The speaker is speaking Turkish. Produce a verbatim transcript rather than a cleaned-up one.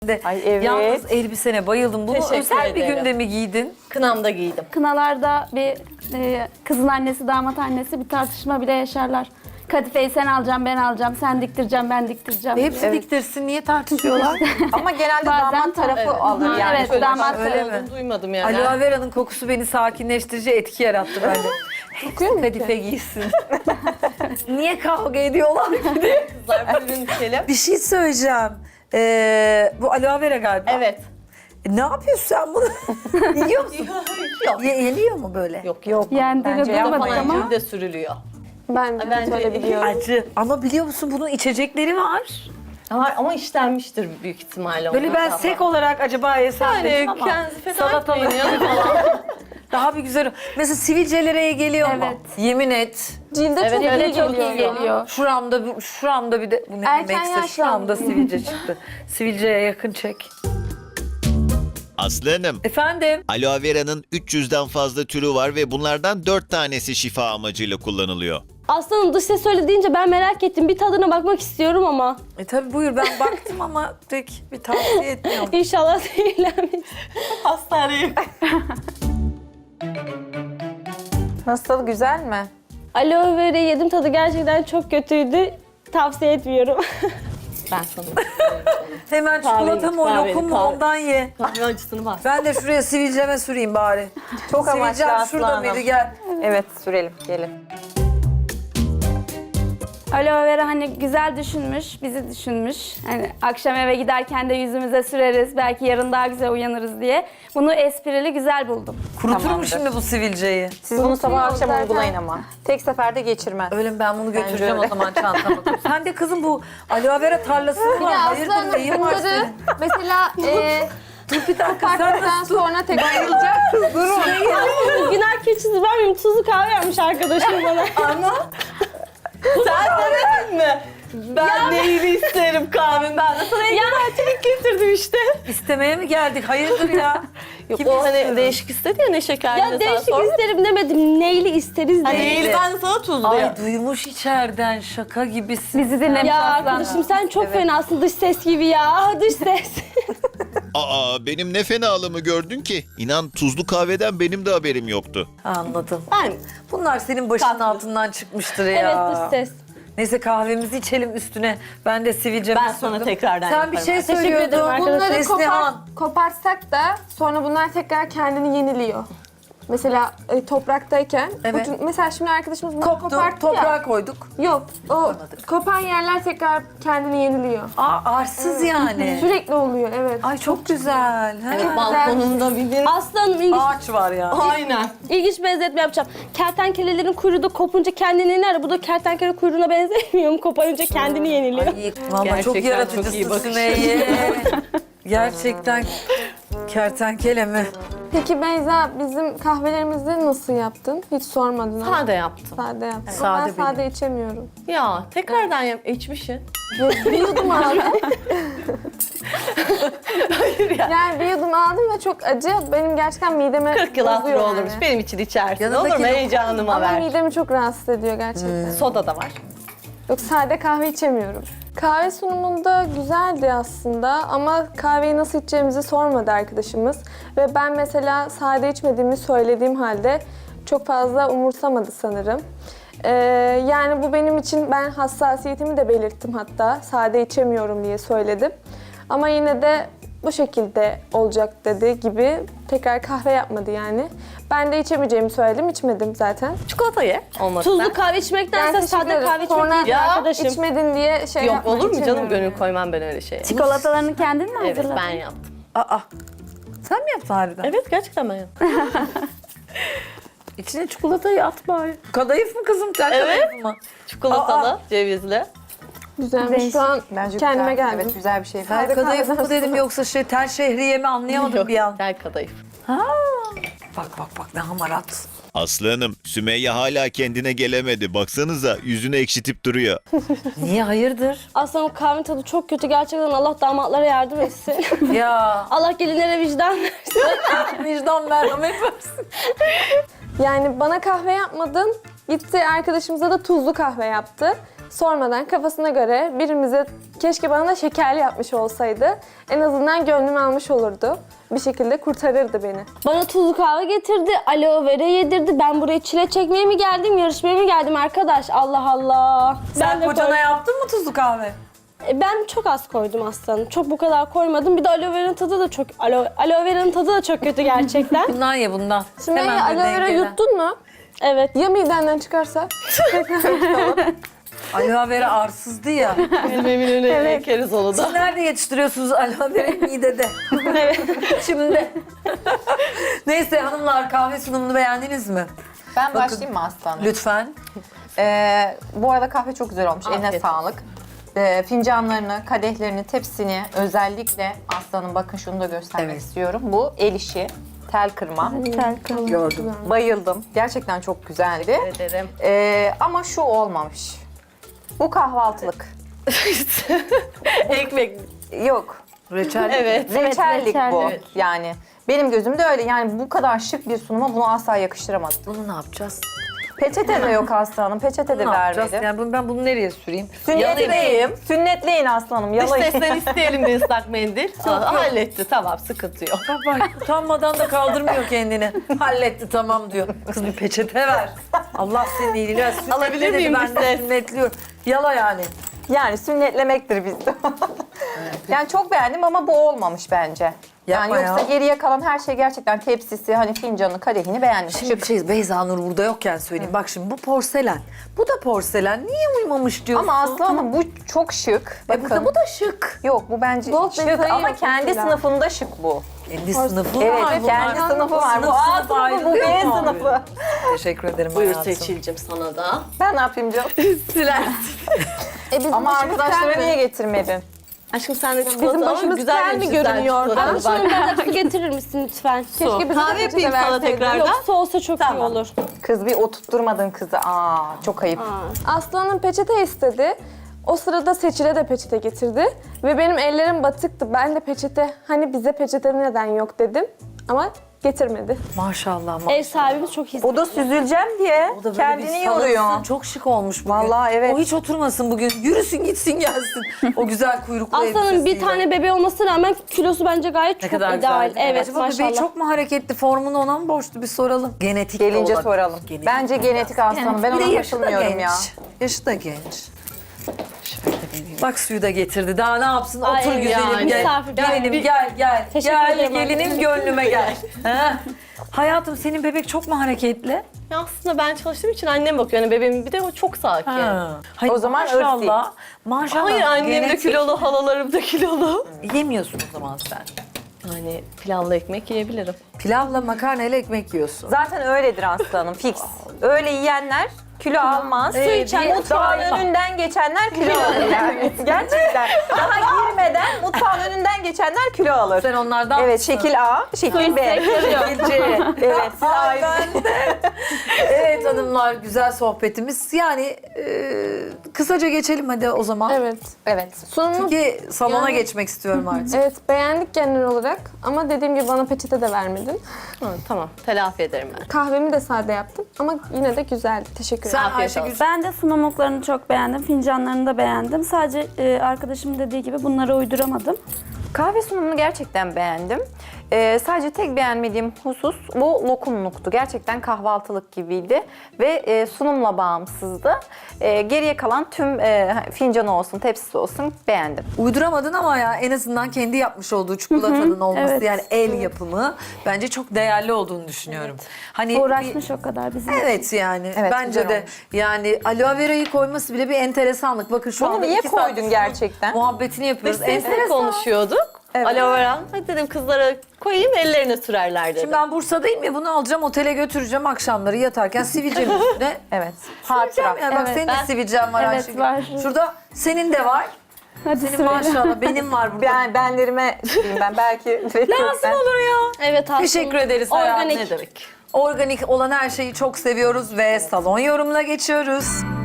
Ay evet. Yalnız elbisene bayıldım. Bunu Teşekkür özel bir ederim. günde mi giydin? Kınamda giydim. Kınalarda bir e, kızın annesi, damat annesi bir tartışma bile yaşarlar. Kadifeyi sen alacaksın, ben alacağım, sen diktireceğim, ben diktireceğim. Hepsi diye. diktirsin. Niye tartışıyorlar? Ama genelde Bazen damat tarafı evet. alır Ha, yani. evet, Şöyle damat şey- Öyle mi? Olduğunu duymadım yani. Aloe vera'nın kokusu beni sakinleştirici etki yarattı bende. Hepsi kadife giysin. Niye kavga ediyorlar ki diye. Kızlar buyurun içelim. Bir şey söyleyeceğim. Ee, bu aloe vera galiba. Evet. E, ne yapıyorsun sen bunu? Yiyor musun? Yok. Ye- yeniyor mu böyle? Yok yok. Yendiğini Bence duymadık yapmayın. ama Falan de sürülüyor. Ben de Bence- öyle biliyorum. Acı. Ama biliyor musun bunun içecekleri var. Var ama işlenmiştir büyük ihtimalle. Böyle onlar ben da. sek olarak acaba yesem Yani dedim ama kendinizi feda salatalık etmeyin ya falan. daha bir güzel. Mesela sivilcelere geliyor mu? Evet. Yemin et. Cilde Evet, çok evet, iyi çok geliyor. iyi geliyor. Şuramda, bir- şuramda bir de bu ne Erken demekse şuramda yaşlandım. sivilce çıktı. Sivilceye yakın çek. Aslı Hanım, Efendim? aloe vera'nın üç yüzden fazla türü var ve bunlardan dört tanesi şifa amacıyla kullanılıyor. Aslanım dış ses öyle deyince ben merak ettim. Bir tadına bakmak istiyorum ama. E tabi buyur, ben baktım ama tek bir tavsiye etmiyorum. İnşallah zehirlenmeyiz. Hastaneye. Nasıl, güzel mi? Aloe vera yedim, tadı gerçekten çok kötüydü. Tavsiye etmiyorum. Ben sana. Hemen çikolata mı o kahveni, lokum mu kahve. ondan ye. Kahve acısını bas. Ben de şuraya sivilceme süreyim bari. Çok amaçlı Sivilcem Aslı şurada Hanım. mıydı, gel. Evet, sürelim. Gelin. aloe vera hani güzel düşünmüş, bizi düşünmüş. Hani akşam eve giderken de yüzümüze süreriz, belki yarın daha güzel uyanırız diye. Bunu esprili, güzel buldum. Kurutur mu Tamamdır. şimdi bu sivilceyi? Siz bunu sabah akşam zaten. uygulayın ama. Tek seferde geçirmez. Öyle mi? Ben bunu götüreceğim öyle. o zaman çantama. Sen de kızım bu aloe vera tarlası mı var? Ya Hayırdır, aslında neyin var bunları senin? mesela e, Bir dakika, sen koparttıktan nasıl sonra tekrar yiyeceğim. Günah keçisi ben miyim? Tuzlu kahve yapmış arkadaşım bana. Sen demedin mi? Ben neyini isterim kahvemi. Ben de sana ya. çelik getirdim işte. istemeye mi geldik? Hayırdır ya? Yok Kim o hani istiyor? değişik istedi ya ne şekerli. Ya değişik isterim demedim. Neyli isteriz Hani dedim. eğili ben de sana tuzlu Ay ya. duymuş içeriden, şaka gibisin. Bizi dinlemiş Ya aslanım. arkadaşım sen çok fenasın dış ses gibi ya. Ah, dış ses. Aa, benim ne fenalığımı gördün ki? İnan tuzlu kahveden benim de haberim yoktu. Anladım. Ben Bunlar senin başının altından çıkmıştır ya. Evet dış ses. Neyse kahvemizi içelim üstüne. Ben de sivilcemi Ben sonra sürdüm. tekrardan Sen bir yaparım. şey Teşekkür söylüyordun. ederim arkadaşlar. Bunları Neslihan. kopar, koparsak da sonra bunlar tekrar kendini yeniliyor. Mesela e, topraktayken, Evet. ucun- mesela şimdi arkadaşımız bunu Koptu, koparttı toprağa ya. koyduk. Yok, o kopan yerler tekrar kendini yeniliyor. Aa, arsız yani. Sürekli oluyor, evet. Ay çok güzel. Ha? Evet, balkonumda bir gün. Aslanım ilginç, Ağaç var ya. Aynen. ilginç benzetme yapacağım. Kertenkelelerin kuyruğu da kopunca kendini iner. Bu da kertenkele kuyruğuna benzemiyor mu? Koparınca kendini yeniliyor. Ay, valla Gerçekten çok çok iyi yaratıcısın bakış. Sümeyye. Gerçekten kertenkele mi? Peki Beyza, bizim kahvelerimizi nasıl yaptın? Hiç sormadın ama. Sade yaptım. Sade yaptım. Sade ben sade içemiyorum. Ya tekrardan yap içmişsin. Bir yudum aldım. Hayır ya. Yani bir yudum aldım ve çok acı. Benim gerçekten mideme kırk yıl bozuyor hatırı yani. olurmuş. Benim için içersin. Yanındaki Olur mu? lokum- Heyecanıma Ama ver. midemi çok rahatsız ediyor gerçekten. Soda da var. Yok, sade kahve içemiyorum. Kahve sunumunda güzeldi aslında ama kahveyi nasıl içeceğimizi sormadı arkadaşımız. Ve ben mesela sade içmediğimi söylediğim halde çok fazla umursamadı sanırım. Ee, yani bu benim için, ben hassasiyetimi de belirttim hatta. Sade içemiyorum diye söyledim. Ama yine de bu şekilde olacak dedi gibi tekrar kahve yapmadı yani. Ben de içemeyeceğimi söyledim, içmedim zaten. Çikolata ye. Olmazsa. Tuzlu kahve içmektense teşekkür sade ederim. kahve içmek Sonra iyidir Ya, arkadaşım. İçmedin diye şey Yok yapma, olur mu canım, içemiyorum gönül yani. koymam ben öyle şeye. Çikolatalarını kendin mi Evet hazırladın? ben yaptım. Aa, sen mi yaptın harbiden? Evet gerçekten ben yaptım. İçine çikolatayı at bari. Kadayıf mı kızım? Sen Evet. kadayıf mı? Çikolatalı, Aa. cevizli. Güzelmiş. Şu an Bence kendime güzel. geldim. Evet, güzel bir şey. Ben Sade kadayıf kahveden mı dedim sonra. yoksa şey tel şehriye mi anlayamadım Yok, bir an. gel kadayıf. Ha. Bak bak bak ne hamarat. Aslı Hanım, Sümeyye hala kendine gelemedi. Baksanıza yüzünü ekşitip duruyor. Niye, hayırdır? Aslanım kahvenin tadı çok kötü. Gerçekten Allah damatlara yardım etsin. Ya Allah gelinlere vicdan versin. vicdan merhamet versin. Yani bana kahve yapmadın, gitti arkadaşımıza da tuzlu kahve yaptı. sormadan kafasına göre birimize keşke bana da şekerli yapmış olsaydı. En azından gönlümü almış olurdu. Bir şekilde kurtarırdı beni. Bana tuzlu kahve getirdi, aloe vera yedirdi. Ben buraya çile çekmeye mi geldim, yarışmaya mı geldim arkadaş? Allah Allah. Sen de kocana koy- yaptın mı tuzlu kahve? E, Ben çok az koydum aslanım. Çok bu kadar koymadım. Bir de aloe vera'nın tadı da çok aloe, aloe vera'nın tadı da çok kötü gerçekten. Bundan ye bundan. Şimdi Hemen aloe bir vera dengele. yuttun mu? Evet. Ya midenden çıkarsa? Aloe vera arsızdı ya. Bizim Eminönü'ne ekeriz onu da. Siz nerede yetiştiriyorsunuz aloe vera? Midede. Şimdi. Neyse hanımlar, kahve sunumunu beğendiniz mi? Ben başlayayım mı aslanım? Lütfen. Ee, bu arada kahve çok güzel olmuş. Eline Afiyet sağlık. Ee, fincanlarını, kadehlerini, tepsini özellikle aslanım bakın şunu da göstermek Evet. istiyorum. Bu el işi, tel kırma. Gördüm. Bayıldım. Gerçekten çok güzeldi. Ederim. Ee, ama şu olmamış. Bu kahvaltılık. Ekmek. Yok. Reçel. Evet. Reçellik reçel, bu. evet. Yani benim gözümde öyle. Yani bu kadar şık bir sunuma bunu asla yakıştıramadım. Bunu ne yapacağız? Peçete de yok aslanım. Peçete de Ne yapacağız? vermedi. Yani bunu- ben bunu nereye süreyim? Yalayayım. Sünnetleyim. Sünnetleyin aslanım. Dış Yalayın. sesten isteyelim bir ıslak mendil. Aa, halletti tamam sıkıntı yok. Bak bak utanmadan da kaldırmıyor kendini. Halletti tamam diyor. Kız bir peçete ver. Allah senin iyiliğini versin. Sünnetle Alabilir dedi, miyim ben bir de ses? sünnetliyorum. Yala yani. Yani sünnetlemektir bizde. Yani çok beğendim ama bu olmamış bence. Yapma yani yoksa ya. geriye kalan her şey gerçekten tepsisi, hani fincanı, kadehini beğendim. Şimdi bir şey Beyza Nur burada yokken söyleyeyim. Bak şimdi bu porselen. Bu da porselen. Niye uymamış diyorsun? Ama aslanım bu çok şık. E bu da, bu da şık. Yok bu bence Gold şık detayı ama yok kendi mesela. sınıfında şık bu. Kendi sınıfı Evet var. kendi bunlar. sınıfı var. Bu Sınıf A sınıf sınıfı, bu ayrılıyor B mu abi? sınıfı. Teşekkür ederim Buyur hayatım. Seçil'cim sana da. Ben ne yapayım canım? E bizim Ama başımız arkadaşlara kel mi? niye getirmedin? Aşkım sen de çikolata Bizim al, başımız güzel kel bir mi güzel görünüyor? çikolata Abi bak. şunun bana su getirir misin lütfen? Keşke bize Kahve de peçete yapayım sana verseydin. tekrardan. Yok su olsa çok iyi Tamam. olur. Kız bir oturtturmadın kızı. Aa çok ayıp. Aslanım peçete istedi. O sırada Seçil'e de peçete getirdi. Ve benim ellerim batıktı. Ben de peçete, hani bize peçete neden yok dedim. Ama getirmedi. Maşallah. maşallah. Ev sahibimiz çok iyi. O da süzüleceğim diye O da böyle kendini bir salınsın. yoruyor. Çok şık olmuş bugün. Vallahi evet. O hiç oturmasın bugün. Yürüsün gitsin gelsin. O güzel kuyruklu Aslanın bir elbisesiyle. tane bebeği olmasına rağmen kilosu bence gayet Ne çok kadar ideal. güzel. Evet Acaba maşallah. bebeği çok mu hareketli? Formunu ona mı borçlu? Bir soralım. Genetik de Gelince olabilir. soralım. Genetik Bence genetik aslanım. Ben Bir de ona yaşı da katılmıyorum genç. ya. Yaşı da genç. Bak suyu da getirdi. Daha ne yapsın? Ay, Otur güzelim yani. gel. Misafir Gelinim geldi. gel gel. Teşekkür gel ederim gelinim gönlüme gel. Ha? Hayatım senin bebek çok mu hareketli? Ya aslında ben çalıştığım için annem bakıyor. Yani bebeğim bir de o çok sakin. Hayır, O zaman maşallah. Maşallah. Hayır annem de genetik. kilolu, halalarım da kilolu. Yemiyorsun o zaman sen. Yani pilavla ekmek yiyebilirim. Pilavla makarnayla ekmek yiyorsun. Zaten öyledir aslanım fix. Öyle yiyenler kilo almaz. Su içen mutfağın önünden geçenler kilo alır yani. Gerçekten. Daha girmeden mutfağın önünden geçenler kilo alır. Sen onlardan Evet mısın? şekil A, şekil B. Şekilci. Evet siz Ay, aynı. ben de. Evet hanımlar güzel sohbetimiz. Yani e, kısaca geçelim hadi o zaman. Evet. Evet. Sunumu Çünkü salona Yani- geçmek istiyorum artık. evet beğendik genel olarak. Ama dediğim gibi bana peçete de vermedin. Hı, tamam telafi ederim ben. Kahvemi de sade yaptım. Ama yine de güzeldi. Teşekkür ederim. Sen Afiyet Ayşegül olsun. Ben de sunumluklarını çok beğendim, fincanlarını da beğendim. Sadece e, arkadaşımın dediği gibi bunları uyduramadım. Kahve sunumunu gerçekten beğendim. Ee, sadece tek beğenmediğim husus bu lokumluktu. Gerçekten kahvaltılık gibiydi ve e, sunumla bağımsızdı. E, geriye kalan tüm e, fincanı olsun, tepsisi olsun beğendim. uyduramadın ama ya en azından kendi yapmış olduğu çikolatanın olması evet. yani el yapımı bence çok değerli olduğunu düşünüyorum. Hani bir- Uğraşmış o kadar bizim. Evet yani Evet, bence güzel de olmuş. yani aloe vera'yı koyması bile bir enteresanlık. Bakın şu Bunu anda niye iki saat koydun gerçekten? muhabbetini Biz yapıyoruz. sesle Enteresan. konuşuyorduk. Evet. Aloe vera. Hadi dedim kızlara koyayım ellerine sürerler dedim. Şimdi ben Bursa'dayım ya bunu alacağım otele götüreceğim akşamları yatarken sivilcemin üstüne. Evet. Hatıra. Hatıra. Yani bak Evet. senin de Ben- sivilcen var Evet, Ayşegül. var. Şurada senin de var. Hadi Senin söyle. maşallah benim var burada. Ben benlerime diyeyim ben belki Lazım olur ya. Evet aslında. Teşekkür ederiz hayatım. Organik. ne demek? Organik olan her şeyi çok seviyoruz ve salon yorumuna geçiyoruz.